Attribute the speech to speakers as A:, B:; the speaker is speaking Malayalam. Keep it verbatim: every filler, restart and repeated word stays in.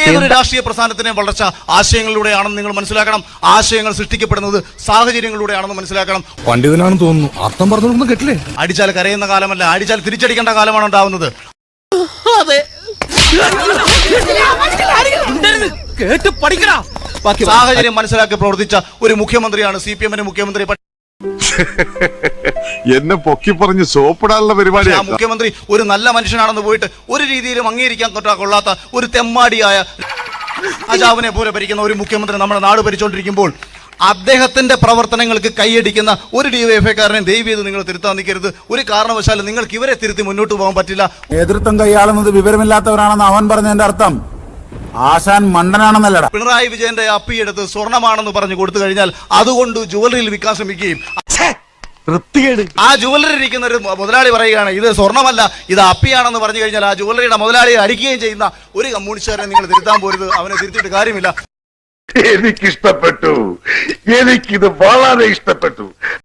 A: ഏതൊരു രാഷ്ട്രീയ പ്രസ്ഥാനത്തിനെ വളർച്ച ആശയങ്ങളിലൂടെയാണെന്ന് നിങ്ങൾ മനസ്സിലാക്കണം. ആശയങ്ങൾ സൃഷ്ടിക്കപ്പെടുന്നത് സാഹചര്യങ്ങളിലൂടെയാണെന്ന് മനസ്സിലാക്കണം.
B: പണ്ഡിതനാണെന്ന് തോന്നുന്നു. അർത്ഥം പറഞ്ഞൊന്നും കേട്ടില്ലേ?
A: അടിച്ചാൽ കരയുന്ന കാലമല്ല, അടിച്ചാൽ തിരിച്ചടിക്കേണ്ട കാലമാണ് ഉണ്ടാവുന്നത്. സാഹചര്യം മനസ്സിലാക്കി പ്രവർത്തിച്ച ഒരു മുഖ്യമന്ത്രിയാണ് സി പി എമ്മിന്റെ മുഖ്യമന്ത്രി.
C: എന്നെ പൊക്കി പറഞ്ഞ് സോപ്പിടാനുള്ള പരിപാടി.
A: ആ മുഖ്യമന്ത്രി ഒരു നല്ല മനുഷ്യനാണെന്ന് പോയിട്ട് ഒരു രീതിയിലും അംഗീകരിക്കാൻ കൊള്ളാത്ത ഒരു തെമ്മാടിയായ അജാവിനെ പോലെ ഭരിക്കുന്ന ഒരു മുഖ്യമന്ത്രി നമ്മുടെ നാട് ഭരിച്ചുകൊണ്ടിരിക്കുമ്പോൾ അദ്ദേഹത്തിന്റെ പ്രവർത്തനങ്ങൾക്ക് കൈയടിക്കുന്ന ഒരു ഡിവൈഎഫ്ഐക്കാരനെ ദയവ് ചെയ്ത് നിങ്ങൾ തിരുത്താൻ നിൽക്കരുത്. ഒരു കാരണവശാലും നിങ്ങൾക്ക് ഇവരെ തിരുത്തി മുന്നോട്ട് പോകാൻ പറ്റില്ല.
D: നേതൃത്വം കൈയാളുന്നത് വിവരമില്ലാത്തവരാണെന്ന് അവൻ പറഞ്ഞതിന്റെ അർത്ഥം ആശാൻ മണ്ടനാണെന്നല്ലടാ.
A: പിണറായി വിജയന്റെ അപ്പിയെടുത്ത് സ്വർണ്ണമാണെന്ന് പറഞ്ഞു കൊടുത്തു കഴിഞ്ഞാൽ അതുകൊണ്ട് ജുവലറിയിൽ വിൽക്കാൻ ശ്രമിക്കുകയും ആ ജുവലറി ഇരിക്കുന്ന ഒരു മുതലാളി പറയുകയാണ് ഇത് സ്വർണ്ണമല്ല ഇത് അപ്പിയാണെന്ന് പറഞ്ഞു കഴിഞ്ഞാൽ ആ ജുവലറിയുടെ മുതലാളിയെ അടിക്കുകയും ചെയ്യുന്ന ഒരു കമ്മ്യൂണിസ്റ്റുകാരനെ നിങ്ങൾ തിരുത്താൻ പോരുത്. അവനെ തിരുത്തിയിട്ട് കാര്യമില്ല.
C: എനിക്കിഷ്ടപ്പെട്ടു, എനിക്കിത് വളരെ ഇഷ്ടപ്പെട്ടു.